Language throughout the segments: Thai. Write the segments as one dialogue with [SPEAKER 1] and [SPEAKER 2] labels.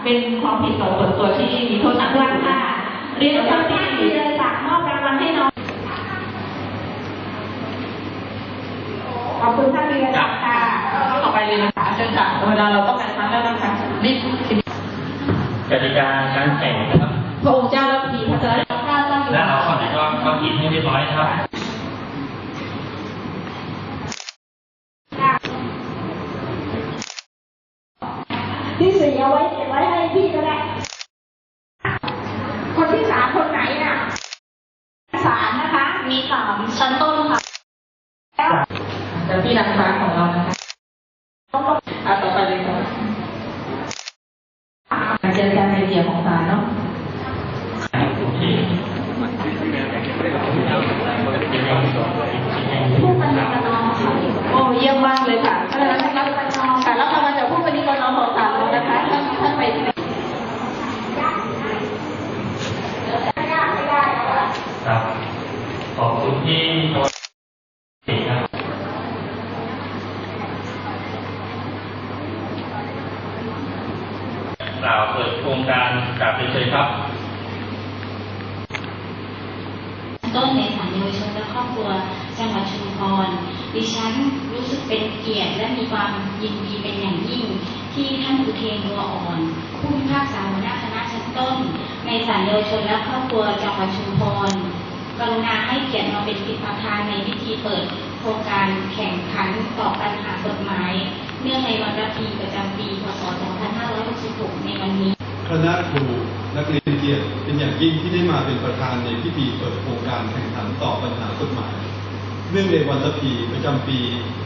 [SPEAKER 1] เป็นความผิดต่อส่วนตัวที่มีโทษหนักด้วยค่ะเรียนเชิญท่านธีรศักดิ์มอบรางวัลให้น้องขอบคุณท่านธีรศักดิ์ค่ะต่อไปเลยนะคะเชิญค่ะเวลาเราต้องการพักแล้วนะคะรีบ
[SPEAKER 2] กติกาการแข่งนะครับ
[SPEAKER 1] พระองค์เจ้าและพีพระเจ้า
[SPEAKER 2] และเราขอให้ก็กินให้เรียบร้อยครับ
[SPEAKER 1] ที่สี่เอาไว้เก็บไว้ให้พี่ก็ได้คนที่สามคนไหนน่ะสามนะคะมีสามชั้นต้นค่ะแล้วพี่นางฟ้าของเรานะคะต่อไปเลยค่ะเจอการไอเดียของศาลเนาะผู้ปฏิบัติน้องค่ะโอ้เยี่ยมมากเลยค่ะเพราะฉะนั้นรับค่ะแล้วเรามาจากผู้ปฏิบัติน้องของศาลเรานะคะท่านไป
[SPEAKER 2] ครับขอบคุณที่ครับกล่าวเปิดโครงการกราบเรียนเชิญครับ
[SPEAKER 3] ต้นในศาลเยาวชนและครอบครัวจังหวัดชุมพรดิฉันรู้สึกเป็นเกียรติและมีความยินดีเป็นอย่างยิ่งที่ท่านอุเทน บัวอ่อนผู้พิพากษาหัวหน้าคณะชั้นต้นในศาลเยาวชนและครอบครัวจังหวัดชุมพรกรุณาให้เกียรติมาเป็นประธานในพิธีเปิดโครงการแข่งขันตอบปัญหากฎหมายเนื่องในวันระพีประจำปีพ.ศ. 2566ในวันนี้
[SPEAKER 4] คณะครูนักเรียนเกียรติเป็นอย่างยิ่งที่ได้มาเป็นประธานในพิธีเปิดโครงการแข่งขันตอบปัญหากฎหมายเนื่องในวันระพีประจำปี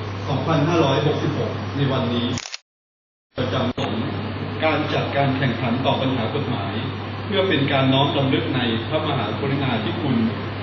[SPEAKER 4] 2566 ในวันนี้ประจำสงฆ์การจัดการแข่งขันตอบปัญหากฎหมายเพื่อเป็นการน้อมรำลึกในพระมหากรุณาธิคุณ